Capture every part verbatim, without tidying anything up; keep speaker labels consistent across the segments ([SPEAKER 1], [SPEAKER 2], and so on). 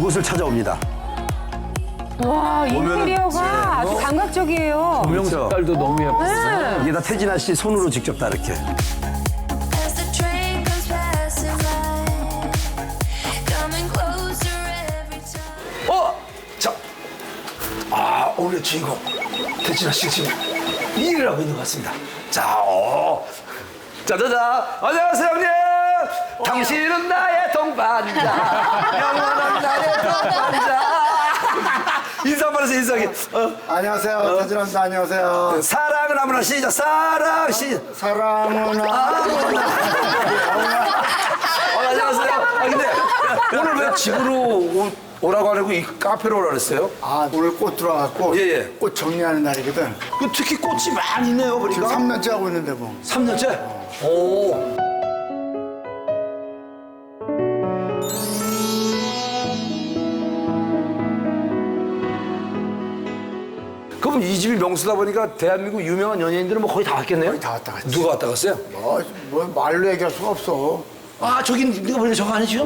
[SPEAKER 1] 이곳을 찾아옵니다.
[SPEAKER 2] 와, 인테리어가 아주 감각적이에요.
[SPEAKER 1] 조명
[SPEAKER 3] 색깔도 너무 예뻤어요.
[SPEAKER 1] 이게 다 태진아 씨 손으로 직접 다 이렇게.
[SPEAKER 4] As the train comes passing by, coming closer every time.
[SPEAKER 1] 어! 자, 아 오늘의 주인공 태진아 씨 지금 일을 하고 있는 것 같습니다. 자, 어, 짜자자, 안녕하세요 형님. 당신은 나의 동반자, 영원한 나의 동반자. 인사 한번 해서 인사하게. 어.
[SPEAKER 5] 안녕하세요. 태진아입니다. 안녕하세요.
[SPEAKER 1] 사랑은 아무나 시작. 사랑 시.
[SPEAKER 5] 사랑은 아무나.
[SPEAKER 1] 어, 안녕하세요. 아 근데 오늘 왜 집으로 오, 오라고 하려고 이 카페로 오라 그랬어요?
[SPEAKER 5] 아, 오늘 꽃 들어왔고
[SPEAKER 1] 예, 예.
[SPEAKER 5] 꽃 정리하는 날이거든.
[SPEAKER 1] 그 특히 꽃이 많이 있네요,
[SPEAKER 5] 지금
[SPEAKER 1] 보니까.
[SPEAKER 5] 삼 년째 하고 있는데 뭐.
[SPEAKER 1] 삼 년째? 오. 그럼 이 집이 명수다 보니까 대한민국 유명한 연예인들은 뭐 거의 다 왔겠네요?
[SPEAKER 5] 거의 다 왔다 갔지.
[SPEAKER 1] 누가 왔다 갔어요?
[SPEAKER 5] 뭐, 뭐 말로 얘기할 수가 없어.
[SPEAKER 1] 아, 저기 네가 보니까 저거 아니죠?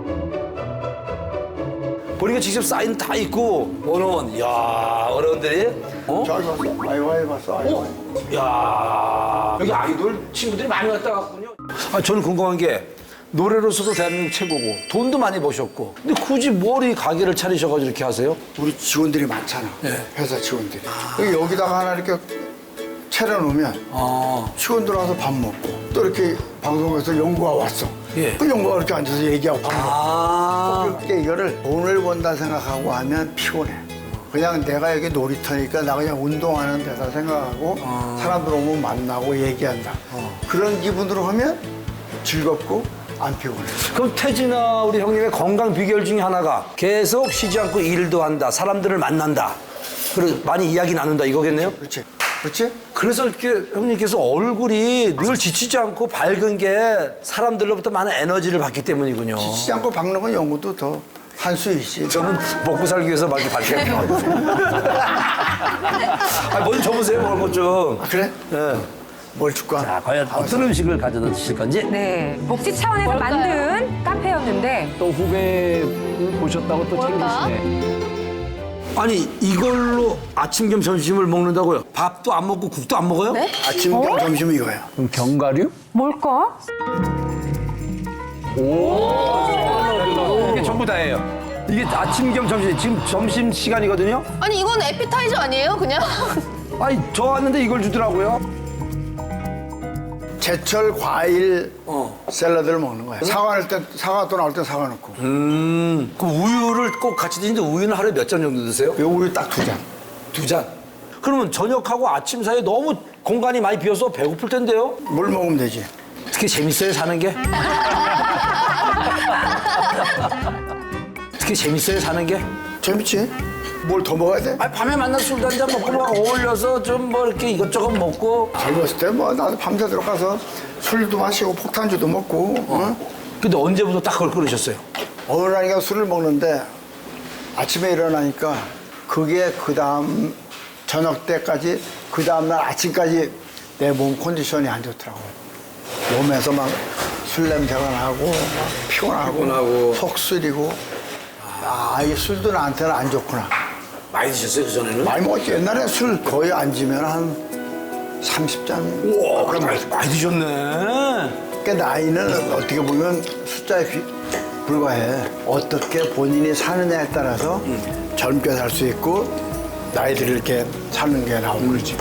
[SPEAKER 1] 보니까 직접 사인 다 있고 원어원. 이야, 어른들이. 어?
[SPEAKER 5] 저기 봤어. 아이와이 봤어. 아이와이.
[SPEAKER 1] 야 여기 아이돌 친구들이 많이 왔다 갔군요. 아, 저는 궁금한 게 노래로서도 대한민국 최고고 돈도 많이 버셨고 근데 굳이 뭘 이 가게를 차리셔가지고 이렇게 하세요?
[SPEAKER 5] 우리 직원들이 많잖아.
[SPEAKER 1] 네.
[SPEAKER 5] 회사 직원들이. 여기 여기다가 하나 이렇게 차려놓으면
[SPEAKER 1] 아,
[SPEAKER 5] 직원들 와서 밥 먹고 또 이렇게 방송에서 연구가 왔어.
[SPEAKER 1] 예.
[SPEAKER 5] 그 연구가 이렇게 앉아서 얘기하고 밥 먹고.
[SPEAKER 1] 아,
[SPEAKER 5] 그렇게 이거를 돈을 번다 생각하고 하면 피곤해. 그냥 내가 여기 놀이터니까 나 그냥 운동하는 데다 생각하고 사람들 오면 만나고 얘기한다. 그런 기분으로 하면 즐겁고 안 피곤해.
[SPEAKER 1] 그럼 태진아 우리 형님의 건강 비결 중에 하나가 계속 쉬지 않고 일도 한다, 사람들을 만난다, 그리고 많이 이야기 나눈다 이거겠네요?
[SPEAKER 5] 그렇지? 그렇지?
[SPEAKER 1] 그래서 이렇게 형님께서 얼굴이 늘 지치지 않고 밝은 게 사람들로부터 많은 에너지를 받기 때문이군요.
[SPEAKER 5] 지치지 않고 박는 건 연구도 더 한 수 있지.
[SPEAKER 1] 저는 먹고 살기 위해서 막 이렇게 밝게 아, 먼저 줘보세요, 먹을 것 좀.
[SPEAKER 5] 아, 그래?
[SPEAKER 1] 네.
[SPEAKER 5] 뭘 줄까?
[SPEAKER 1] 자, 과연 어떤 음식을 가져다 드실 건지?
[SPEAKER 2] 네, 복지 차원에서 만든 카페였는데
[SPEAKER 3] 또 후배 보셨다고 또 챙기시네.
[SPEAKER 1] 아니, 이걸로 아침 겸 점심을 먹는다고요? 밥도 안 먹고 국도 안 먹어요? 네?
[SPEAKER 5] 아침, 겸 점심 이거야.
[SPEAKER 3] 그럼 견과류?
[SPEAKER 2] 뭘까?
[SPEAKER 1] 이게 전부 다예요. 이게 아침 겸 점심, 지금 점심 시간이거든요?
[SPEAKER 6] 아니 이건 에피타이저 아니에요 그냥?
[SPEAKER 1] 아니, 저 왔는데 이걸 주더라고요.
[SPEAKER 5] 제철 과일
[SPEAKER 1] 어.
[SPEAKER 5] 샐러드를 먹는 거야. 사과 넣을 때, 사과 또 나올 때 사과 넣고.
[SPEAKER 1] 음, 그럼 우유를 꼭 같이 드시는데 우유는 하루에 몇 잔 정도 드세요?
[SPEAKER 5] 요 우유 딱 두 잔.
[SPEAKER 1] 두 잔. 그러면 저녁하고 아침 사이에 너무 공간이 많이 비어서 배고플 텐데요?
[SPEAKER 5] 물 먹으면 되지.
[SPEAKER 1] 어떻게 재밌어요, 사는 게? 어떻게 재밌어요, 사는 게?
[SPEAKER 5] 재밌지? 뭘 더 먹어야 돼?
[SPEAKER 1] 아니, 밤에 만나서 술도 한잔 먹고 막 어울려서 좀 뭐 이렇게 이것저것 먹고.
[SPEAKER 5] 젊었을 때 뭐 나도 밤새 들어가서 술도 마시고 폭탄주도 먹고. 어?
[SPEAKER 1] 근데 언제부터 딱 그걸 끊으셨어요?
[SPEAKER 5] 어느 날인가 술을 먹는데 아침에 일어나니까 그게 그 다음 저녁 때까지 그 다음 날 아침까지 내 몸 컨디션이 안 좋더라고. 몸에서 막 술 냄새가 나고 막 피곤하고,
[SPEAKER 1] 피곤하고.
[SPEAKER 5] 속 쓰리고 아, 이 술도 나한테는 안 좋구나.
[SPEAKER 1] 많이 드셨어요, 그전에는?
[SPEAKER 5] 많이 먹었지. 옛날에 술 거의 안 지면 한 삼십 잔.
[SPEAKER 1] 우와, 그럼 많이, 많이 드셨네.
[SPEAKER 5] 그러니까 나이는 어떻게 보면 숫자에 비- 불과해. 어떻게 본인이 사느냐에 따라서 젊게 살 수 있고 나이들이 이렇게 사는 게 나오고 그러지.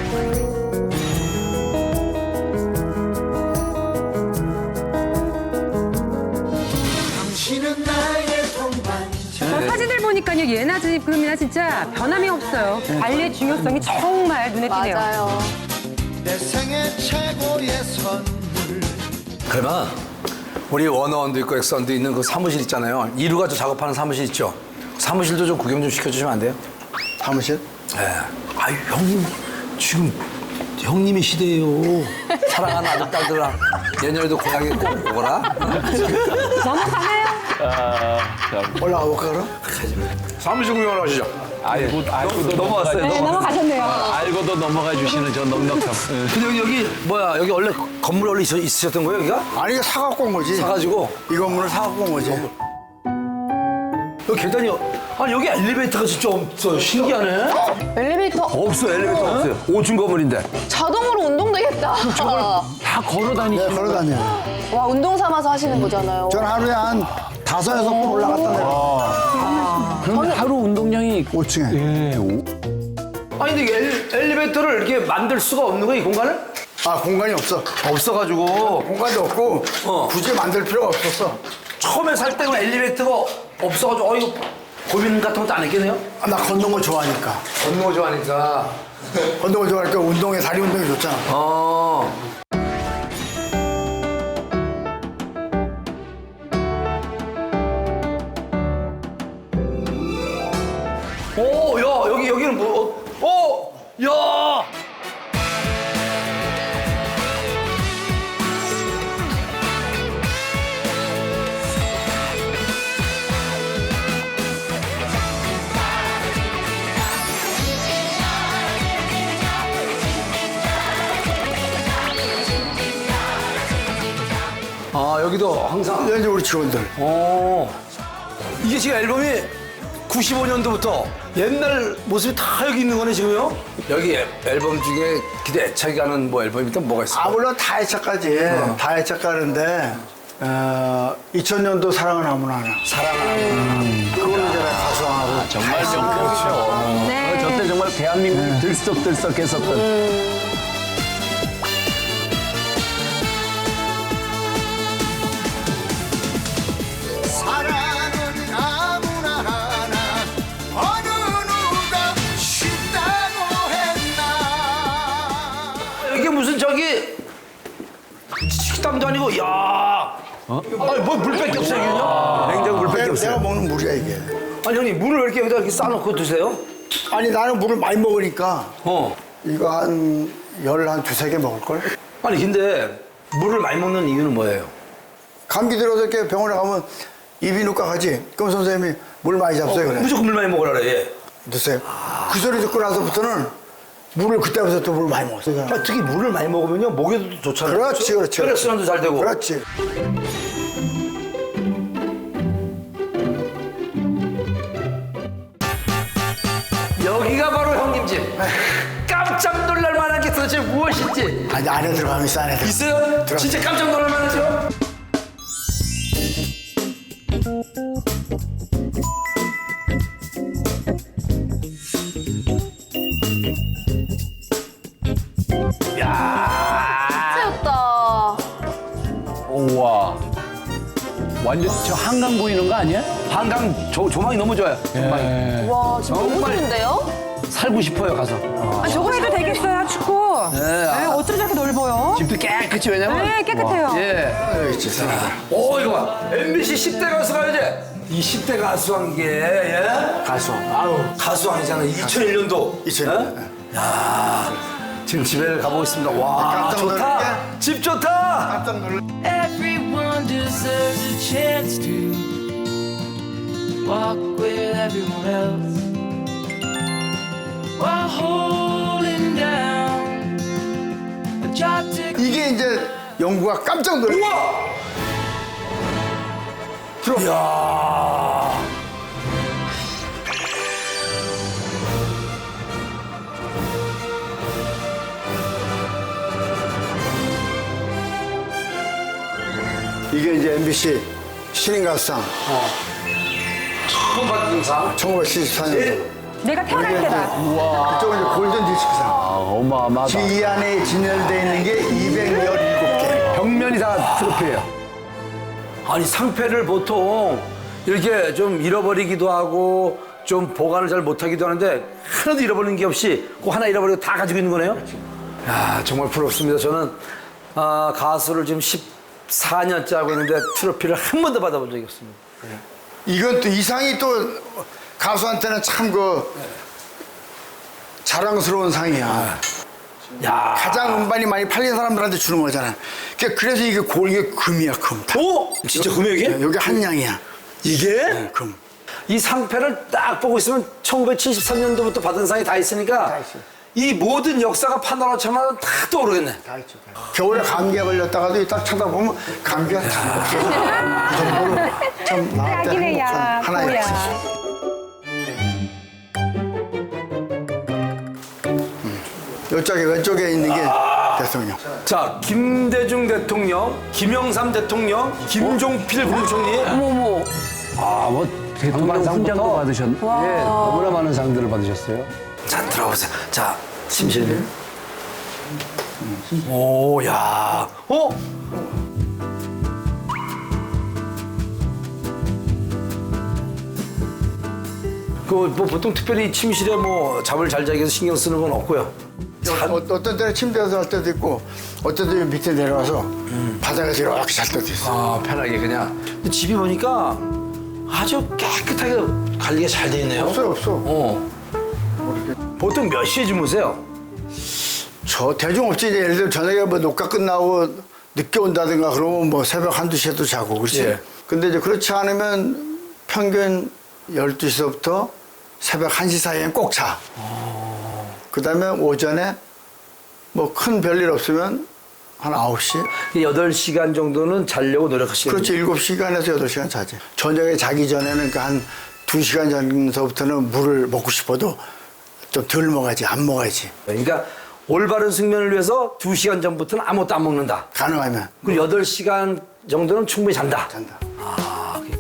[SPEAKER 2] 저 사진들 보니까요, 예나 지금이나 진짜 변함이 없어요. 관리의 중요성이 정말 눈에 띄네요.
[SPEAKER 6] 맞아요.
[SPEAKER 7] 내 생애 최고의 선물.
[SPEAKER 1] 그러면 우리 원어원도 있고 엑선도 있는 그 사무실 있잖아요. 이루가 저 작업하는 사무실 있죠? 사무실도 좀 구경 좀 시켜주시면 안 돼요?
[SPEAKER 5] 사무실?
[SPEAKER 1] 네. 아유, 형님, 지금 형님의 시대예요. 사랑하는 아들, 딸들아. 내년에도 고향에 꼭 오거라.
[SPEAKER 2] 넘어가나요?
[SPEAKER 3] 아, 참.
[SPEAKER 5] 올라가 볼까 그럼?
[SPEAKER 1] 사무실 구경을 하시죠.
[SPEAKER 3] 알고, 알고도
[SPEAKER 1] 넘어왔어요.
[SPEAKER 2] 네, 넘어가셨네요.
[SPEAKER 3] 알고도 넘어가 주시는 저 넉넉함. 예.
[SPEAKER 1] 근데 여기, 여기 뭐야, 여기 원래 건물 원래 있, 있으셨던 거예요, 여기가?
[SPEAKER 5] 아니 이거 사갖고 온 거지.
[SPEAKER 1] 사가지고.
[SPEAKER 5] 이 건물을 사갖고 온 거지.
[SPEAKER 1] 여기 계단이 아니 여기 엘리베이터가 진짜 없어 신기하네.
[SPEAKER 6] 엘리베이터
[SPEAKER 1] 없어 엘리베이터 없어요. 오중 건물인데.
[SPEAKER 6] 자동으로 운동되겠다.
[SPEAKER 3] 다 걸어 다니시는
[SPEAKER 5] 네, 걸어 다녀요.
[SPEAKER 6] 와, 운동 삼아서 하시는 거잖아요.
[SPEAKER 5] 전 하루에 한 다섯 여섯 번 올라갔다 내려.
[SPEAKER 3] 그럼 하루 운동량이
[SPEAKER 5] 오 층에.
[SPEAKER 3] 예, 오,
[SPEAKER 1] 아니 근데 이게 엘, 엘리베이터를 이렇게 만들 수가 없는 거야 이 공간을?
[SPEAKER 5] 아 공간이 없어.
[SPEAKER 1] 없어가지고
[SPEAKER 5] 공간도 없고
[SPEAKER 1] 어.
[SPEAKER 5] 굳이 만들 필요가 없었어.
[SPEAKER 1] 처음에 살 때는 엘리베이터가 없어가지고 어 이거 고민 같은 것도 안 했겠네요?
[SPEAKER 5] 아, 나 걷는 거 좋아하니까.
[SPEAKER 1] 걷는 거 좋아하니까.
[SPEAKER 5] 걷는 거 좋아하니까 운동에 다리 운동이 좋잖아.
[SPEAKER 1] 어. 오, 야, 여기, 여기는 뭐, 어, 어, 야! 아, 여기도 항상.
[SPEAKER 5] 이제 우리 직원들.
[SPEAKER 1] 어. 이게 지금 앨범이 구십오 년도부터 옛날 모습이 다 여기 있는 거네, 지금요? 여기 앨- 앨범 중에 기대 애착이 가는 뭐 앨범이 또 뭐가 있어요?
[SPEAKER 5] 아 물론 다 애착가지. 다 애착가는데 어, 이천 년도 사랑은 아무나 하나.
[SPEAKER 1] 사랑을 하는
[SPEAKER 5] 그걸로 제가 가수하고.
[SPEAKER 3] 정말 명곡이죠.
[SPEAKER 2] 네.
[SPEAKER 3] 저때 정말 대한민국이 들썩들썩했었던.
[SPEAKER 7] 사랑은 아무나 하나 어느 누가 쉽다고 했나
[SPEAKER 1] 이게 무슨 저기 식당도 아니고, 야 아니, 뭐 물밖에 없어요, 여기는요? 냉장고 물밖에
[SPEAKER 5] 내가,
[SPEAKER 1] 없어요.
[SPEAKER 5] 내가 먹는 물이야 이게.
[SPEAKER 1] 아니, 형님, 물을 왜 이렇게 여기다 이렇게 싸놓고 드세요?
[SPEAKER 5] 아니 나는 물을 많이 먹으니까
[SPEAKER 1] 어.
[SPEAKER 5] 이거 한 열 한 두세 개 먹을 걸.
[SPEAKER 1] 아니, 근데 물을 많이 먹는 이유는 뭐예요?
[SPEAKER 5] 감기 들어서 이렇게 병원에 가면 이비인후과 가지. 그럼 선생님이 물 많이 잡숴요 그래.
[SPEAKER 1] 무조건 물 많이 먹으라 그래, 예.
[SPEAKER 5] 드세요. 그 소리 듣고 나서부터는 물을 그때부터 또 물 많이 먹었어요.
[SPEAKER 1] 아, 특히 물을 많이 먹으면요, 목에도 좋잖아요.
[SPEAKER 5] 그렇지, 그렇지.
[SPEAKER 1] 혈액순환도 잘 되고.
[SPEAKER 5] 그렇지.
[SPEAKER 1] 여기가 바로 형님 집. 깜짝 놀랄 만한 게 도대체 무엇인지.
[SPEAKER 5] 아니 안에 들어가면 있어 안에 들어.
[SPEAKER 1] 있어요?
[SPEAKER 5] 들어.
[SPEAKER 1] 진짜 깜짝 놀랄 만하죠?
[SPEAKER 6] 세웠다.
[SPEAKER 3] 우와. 완전 저 한강 보이는 거 아니야?
[SPEAKER 1] 한강 조, 조망이 너무 좋아요. 조망이.
[SPEAKER 3] 예.
[SPEAKER 6] 와, 지금 너무
[SPEAKER 1] 정말.
[SPEAKER 6] 좋은데요?
[SPEAKER 1] 살고 싶어요, 가서.
[SPEAKER 2] 아, 저거 해도 되겠어요, 축구.
[SPEAKER 1] 네,
[SPEAKER 2] 네,
[SPEAKER 1] 아.
[SPEAKER 2] 어쩜 저렇게 넓어요?
[SPEAKER 1] 집도 깨끗이, 왜냐면.
[SPEAKER 2] 네, 깨끗해요.
[SPEAKER 1] 예.
[SPEAKER 5] 여기 있지 사람.
[SPEAKER 1] 오, 이거 봐. 엠비씨 십 대 가수가 이제 이 십 대 가수한 게, 예?
[SPEAKER 5] 가수. 아우.
[SPEAKER 1] 가수왕이잖아. 이천일 년도.
[SPEAKER 5] 이천일 년도.
[SPEAKER 1] 야 지금 집에 가보고 있습니다. 와,
[SPEAKER 5] 깜짝
[SPEAKER 1] 좋다.
[SPEAKER 5] 놀랄게.
[SPEAKER 1] 집 좋다.
[SPEAKER 5] 깜짝 놀라.
[SPEAKER 8] Everyone deserves a chance to walk with everyone else while holding down a job to
[SPEAKER 5] 이게 이제 영구가 깜짝 놀라.
[SPEAKER 1] 우와. 들어. 이야.
[SPEAKER 5] 이게 이제 엠비씨 신인 가수상
[SPEAKER 1] 처음 받은 상.
[SPEAKER 5] 천구백칠십사 년도.
[SPEAKER 2] 내가 태어날 때다.
[SPEAKER 5] 그쪽은 이제 골든 디스크상.
[SPEAKER 3] 아, 어마어마하다.
[SPEAKER 5] 지금 이 안에 진열되어 있는 게 이백십칠 개.
[SPEAKER 1] 벽면이 다 트로피예요. 아니 상패를 보통 이렇게 좀 잃어버리기도 하고 좀 보관을 잘 못하기도 하는데 하나도 잃어버리는 게 없이 그 하나 잃어버리고 다 가지고 있는 거네요. 야 정말 부럽습니다. 저는 아, 가수를 지금 십사 년째 하고 있는데 트로피를 한 번도 받아본 적이 없습니다.
[SPEAKER 5] 이건 또 이상이 또 가수한테는 참 그 자랑스러운 상이야.
[SPEAKER 1] 야
[SPEAKER 5] 가장 음반이 많이 팔린 사람들한테 주는 거잖아. 그러니까 그래서 이게 골 이게 금이야 금. 다.
[SPEAKER 1] 오 진짜 금액이?
[SPEAKER 5] 여기 한 양이야.
[SPEAKER 1] 이게?
[SPEAKER 5] 네, 금.
[SPEAKER 1] 이 상패를 딱 보고 있으면 천구백칠십삼 년도부터 받은 상이 다 있으니까
[SPEAKER 5] 다 있어요.
[SPEAKER 1] 이 모든 역사가 파노라마처럼 다 떠오르겠네.
[SPEAKER 5] 다 있죠. 겨울에 감기에 걸렸다가도 딱 쳐다보면 감기가 다 없어져. 그 정도로 참 나한테
[SPEAKER 2] 딱이네, 야,
[SPEAKER 5] 행복한 하나의
[SPEAKER 2] 뭐야.
[SPEAKER 5] 역사죠. 이쪽에 왼쪽에 있는 게 대통령.
[SPEAKER 1] 자, 김대중 대통령, 김영삼 대통령, 김종필 국무총리.
[SPEAKER 6] 어머머.
[SPEAKER 3] 아, 뭐 대통령 훈장도 받으셨네. 예, 너무나 많은 상들을 받으셨어요.
[SPEAKER 1] 자, 들어보세요. 자, 심실님. 오, 야. 어? 그 뭐 보통 특별히 침실에 뭐 잠을 잘 자기 위해서 신경 쓰는 건 없고요.
[SPEAKER 5] 어, 어떤 때는 침대에서 할 때도 있고 어떤 때는 밑에 내려와서 바닥에서 이렇게 잘 때도 있어.
[SPEAKER 1] 아, 편하게 그냥. 근데 집이 보니까 아주 깨끗하게 관리가 잘 돼 있네요.
[SPEAKER 5] 없어요, 없어.
[SPEAKER 1] 어. 보통 몇 시에 주무세요?
[SPEAKER 5] 저 대중 없지. 이제 예를 들어 저녁에 뭐 녹화 끝나고 늦게 온다든가 그러면 뭐 새벽 한두 시에도 자고 그렇지.
[SPEAKER 1] 예.
[SPEAKER 5] 근데 이제 그렇지 않으면 평균 열두 시부터 새벽 한 시 사이엔 꼭 자. 그 다음에 오전에 뭐 큰 별일 없으면 한 아홉 시?
[SPEAKER 1] 여덟 시간 정도는 자려고 노력하시는
[SPEAKER 5] 그렇지. 일곱 시간에서 여덟 시간 자지. 저녁에 자기 전에는 그 한 두 시간 전서부터는 물을 먹고 싶어도 좀 덜 먹어야지. 안 먹어야지.
[SPEAKER 1] 그러니까 올바른 숙면을 위해서 두 시간 전부터는 아무것도 안 먹는다.
[SPEAKER 5] 가능하면.
[SPEAKER 1] 그리고 여덟 시간 정도는 충분히 잔다.
[SPEAKER 5] 잔다.
[SPEAKER 1] 아, 그래.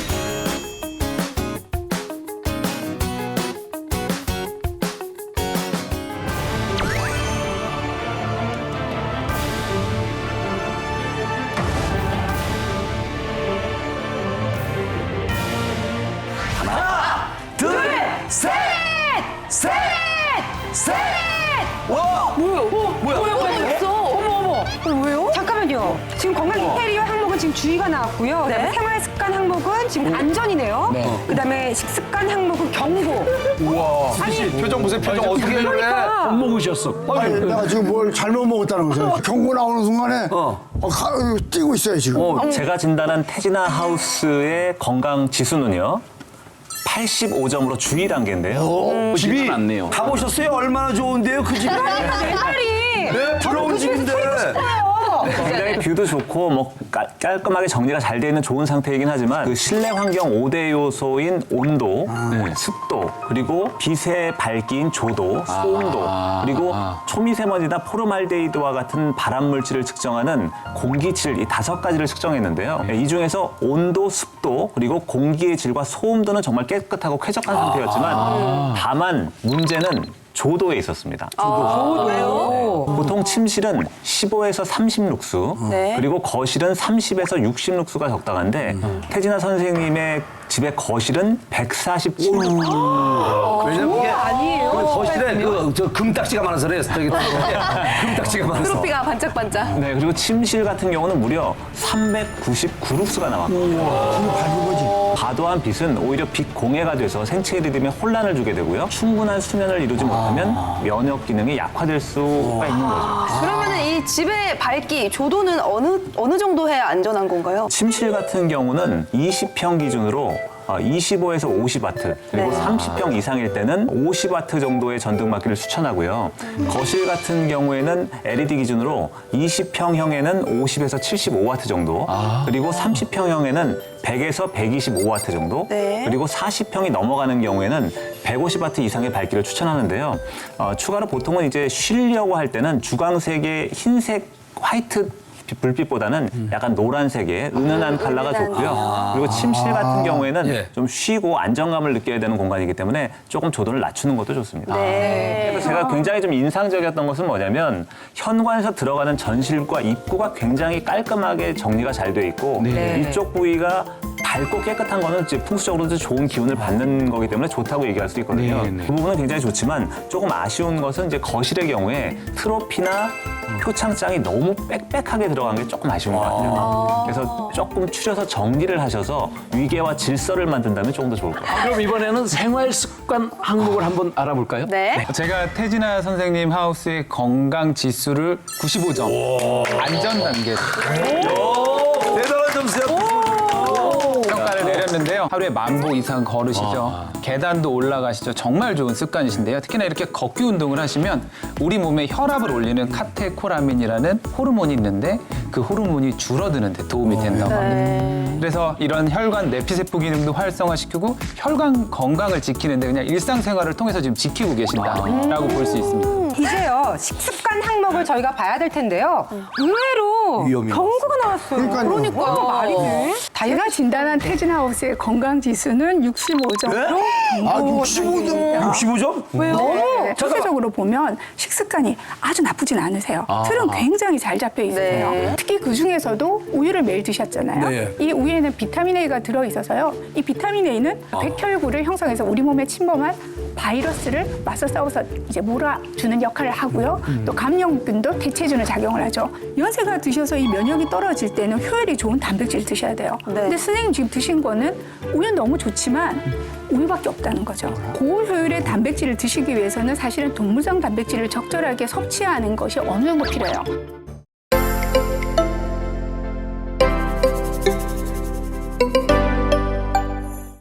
[SPEAKER 1] 하나, 둘, 셋! 셋! 셋! 와!
[SPEAKER 6] 뭐야? 어,
[SPEAKER 1] 뭐야?
[SPEAKER 6] 뭐야? 뭐야? 있어. 어머 어머. 어, 왜요?
[SPEAKER 2] 잠깐만요. 지금 건강 인테리어 항목은 지금 주의가 나왔고요. 그다음에 생활 습관 항목은 지금 안전이네요. 그다음에 식습관 항목은 경고.
[SPEAKER 3] 우와.
[SPEAKER 2] 아니,
[SPEAKER 1] 표정 보세요. 표정 어떻게 그래?
[SPEAKER 2] 그러니까.
[SPEAKER 3] 못 먹으셨어.
[SPEAKER 5] 아니, 내가 지금 뭘 잘못 먹었다는 거죠. 경고 나오는 순간에 어. 가, 뛰고 있어요, 지금.
[SPEAKER 9] 어, 제가 진단한 태진아 하우스의 건강 지수는요. 팔십오 점으로 주의 단계인데요.
[SPEAKER 3] 어, 집이 않네요.
[SPEAKER 1] 가보셨어요? 얼마나 좋은데요, 그 집이?
[SPEAKER 2] 내 말이.
[SPEAKER 1] 네, 부러운 집인데.
[SPEAKER 9] 굉장히 뷰도 좋고 뭐 깔, 깔끔하게 정리가 잘 돼 있는 좋은 상태이긴 하지만 그 실내 환경 오 대 요소인 온도, 네, 습도, 그리고 빛의 밝기인 조도, 소음도, 그리고 초미세먼지나 포르말데히드와 같은 발암 물질을 측정하는 공기질 이 다섯 가지를 측정했는데요. 이 중에서 온도, 습도, 그리고 공기의 질과 소음도는 정말 깨끗하고 쾌적한 상태였지만 다만 문제는 조도에 있었습니다.
[SPEAKER 2] 왜요?
[SPEAKER 9] 보통 침실은 십오에서 삼십 룩스,
[SPEAKER 6] 네.
[SPEAKER 9] 그리고 거실은 삼십에서 육십 룩스가 적당한데 태진아 선생님의 집의 거실은 백사십칠 룩스.
[SPEAKER 1] 왜냐면 이게
[SPEAKER 2] 아니에요.
[SPEAKER 1] 그 거실에 그, 저 금딱지가 많아서 그래요. 저기 금딱지가 많아서.
[SPEAKER 6] 트로피가 반짝반짝.
[SPEAKER 9] 네, 그리고 침실 같은 경우는 무려 삼백구십구 룩스가 나왔거든요.
[SPEAKER 5] 밝은 거지.
[SPEAKER 9] 과도한 빛은 오히려 빛 공해가 돼서 생체 리듬에 혼란을 주게 되고요. 충분한 수면을 이루지 못하면 면역 기능이 약화될 수가 있는 거죠.
[SPEAKER 6] 그러면은 이 집의 밝기 조도는 어느 어느 정도 해야 안전한 건가요?
[SPEAKER 9] 침실 같은 경우는 이십 평 기준으로 어, 이십오에서 오십 와트, 그리고
[SPEAKER 6] 네.
[SPEAKER 9] 삼십 평 이상일 때는 오십 와트 정도의 전등막기를 추천하고요. 거실 같은 경우에는 엘이디 기준으로 이십 평형에는 오십에서 칠십오 와트 정도, 그리고 삼십 평형에는 백에서 백이십오 와트 정도,
[SPEAKER 6] 네.
[SPEAKER 9] 그리고 사십 평이 넘어가는 경우에는 백오십 와트 이상의 밝기를 추천하는데요. 어, 추가로 보통은 이제 쉬려고 할 때는 주광색의 흰색 화이트 불빛보다는 약간 노란색의 은은한 컬러가 좋고요. 그리고 침실 같은 경우에는
[SPEAKER 1] 예.
[SPEAKER 9] 좀 쉬고 안정감을 느껴야 되는 공간이기 때문에 조금 조도를 낮추는 것도 좋습니다.
[SPEAKER 6] 네.
[SPEAKER 9] 그래서 제가 굉장히 좀 인상적이었던 것은 뭐냐면 현관에서 들어가는 전실과 입구가 굉장히 깔끔하게 정리가 잘 돼 있고 이쪽 부위가 밝고 깨끗한 거는 이제 풍수적으로도 좋은 기운을 받는 거기 때문에 좋다고 얘기할 수 있거든요.
[SPEAKER 3] 네, 네.
[SPEAKER 9] 그 부분은 굉장히 좋지만 조금 아쉬운 것은 이제 거실의 경우에 트로피나 표창장이 너무 빽빽하게 들어간 게 조금 아쉬운 것 같아요. 그래서 조금 추려서 정리를 하셔서 위계와 질서를 만든다면 조금 더 좋을 것 같아요.
[SPEAKER 3] 그럼 이번에는 생활 습관 항목을 한번 알아볼까요?
[SPEAKER 6] 네.
[SPEAKER 10] 제가 태진아 선생님 하우스의 건강 지수를 구십오 점, 안전 단계
[SPEAKER 1] 오, 대단한 점수야.
[SPEAKER 10] 평가를 내렸는데 하는데요. 하루에 만 보 이상 걸으시죠. 계단도 올라가시죠. 정말 좋은 습관이신데요. 특히나 이렇게 걷기 운동을 하시면 우리 몸의 혈압을 올리는 카테코라민이라는 호르몬이 있는데 그 호르몬이 줄어드는 데 도움이 된다고 합니다. 그래서 이런 혈관 내피세포 기능도 활성화시키고 혈관 건강을 지키는데 그냥 일상생활을 통해서 지금 지키고 계신다라고 볼 수 있습니다.
[SPEAKER 2] 이제요 식습관 항목을 저희가 봐야 될 텐데요. 의외로
[SPEAKER 1] 위험해요.
[SPEAKER 2] 경고가 나왔어요.
[SPEAKER 5] 그러니까요.
[SPEAKER 2] 어, 말이 돼?
[SPEAKER 11] 제가 진단한 태진하우스의 건강지수는 육십오 점으로
[SPEAKER 5] 아, 육십오 점?
[SPEAKER 1] 육십오 점?
[SPEAKER 11] 왜요? 네, 전체적으로 보면 식습관이 아주 나쁘진 않으세요. 틀은 굉장히 잘 잡혀 있으세요.
[SPEAKER 6] 네.
[SPEAKER 11] 특히 그 중에서도 우유를 매일 드셨잖아요.
[SPEAKER 1] 네.
[SPEAKER 11] 이 우유에는 비타민 A가 들어있어서요. 이 비타민 A는 백혈구를 형성해서 우리 몸에 침범한 바이러스를 맞서 싸워서 이제 몰아주는 역할을 하고요. 또 감염균도 대체해주는 작용을 하죠. 연세가 드셔서 이 면역이 떨어질 때는 효율이 좋은 단백질을 드셔야 돼요. 근데 선생님 지금 드신 거는 우유는 너무 좋지만 우유밖에 없다는 거죠. 고효율의 단백질을 드시기 위해서는 사실은 동물성 단백질을 적절하게 섭취하는 것이 어느 정도 필요해요.
[SPEAKER 4] Thank